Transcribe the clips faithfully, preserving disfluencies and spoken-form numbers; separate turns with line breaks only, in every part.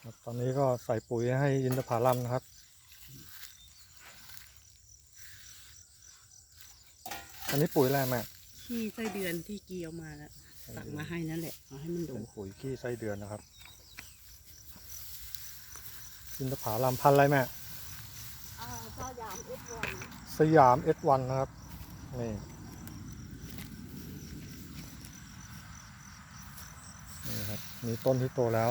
ตอนนี้ก็ใส่ปุ๋ยให้อินทผลัมนะครับอันนี้ปุ๋ยอะไรแม่
ขี้ไส้เดือนที่กีเอามาแล้วตักมาให้นั่นแหละเอาให้มันดู
เป็นปุ๋ยขี้ไส้เดือนนะครับอินทผลัมพันธุ์อะไรแม่
สยามเอสวัน
สยามเอสวันนะครับนี่นี่ครับมีต้นที่โตแล้ว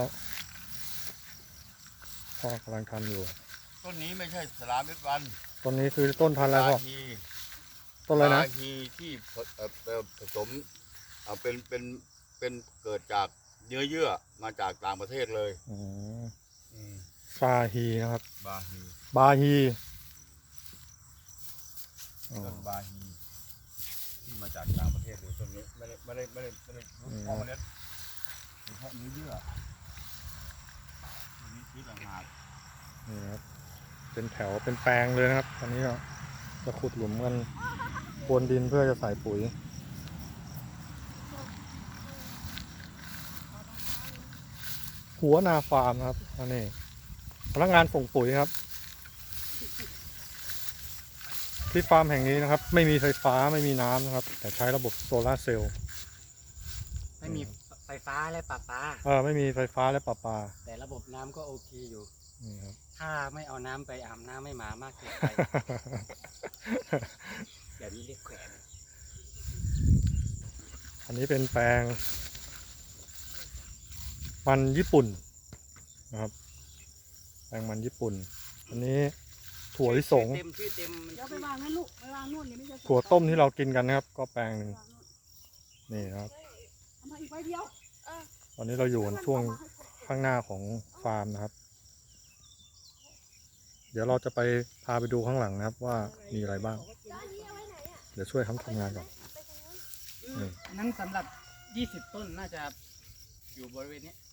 พ่อกำลังทำอยู่
ต้นนี้ไม่ใช่สลามเม็ดวัน
ต้นนี้คือต้นพันธุ์อะไรพ่อต้นอะไรนะ
บาฮีที่ผสมเป็นเป็นเป็นเกิดจากเนื้อเยื่อมาจากต่างประเทศเลย
อืมซาฮีนะครับ
บาฮี
บาฮี
ต้นบาฮีที่มาจากต่างประเทศเลยต้นนี้ไม่ได้ไม่ได้ไม่ได้ไม่ได้เพาะเมล็ดเพาะเนื้อเยื่อต้นนี้ที่ต่างหาก
นี่ครับเป็นแถวเป็นแปลงเลยนะครับตอนนี้ก็จะขุดหลุมกันพรวนดินเพื่อจะใส่ปุ๋ยหัวนาฟาร์มครับอันนี้พนักงานส่งปุ๋ยครับที่ฟาร์มแห่งนี้นะครับไม่มีไฟฟ้าไม่มีน้ำนะครับแต่ใช้ระบบโซลาร์เซลล์
ไม่มีไฟฟ้าและประปา
เออไม่มีไฟฟ้าและประปา
แต่ระบบน้ำก็โอเคอยู่
นี่ครับ
ถ้าไม่เอาน้ำไปอาบน้ำไม่หมามากเกินไป แบบนี้เรียกแขวน
อันนี้เป็นแปลงมันญี่ปุ่นนะครับแปลงมันญี่ปุ่นอันนี้ถั่วลิสง
เต็มชื่อเต็ม
เดี๋ยวไปวางนั่นลูกไปวางนู่นนี่ไม่ใช่
ถั่วต้มที่เรากินกันนะครับก็แปลงหนึ่งนี่ครับ
เอามาอีกใบเดียว
ตอนนี้เราอยู่ช่วงข้างหน้าของฟาร์มนะครับเดี๋ยวเราจะไปพาไปดูข้างหลังนะครับว่ามีอะไรบ้างเดี๋ยวช่วยเขาทำงานก่อน
นั้นสำหรับยี่สิบต้นน่าจะอยู่บริเวณนี้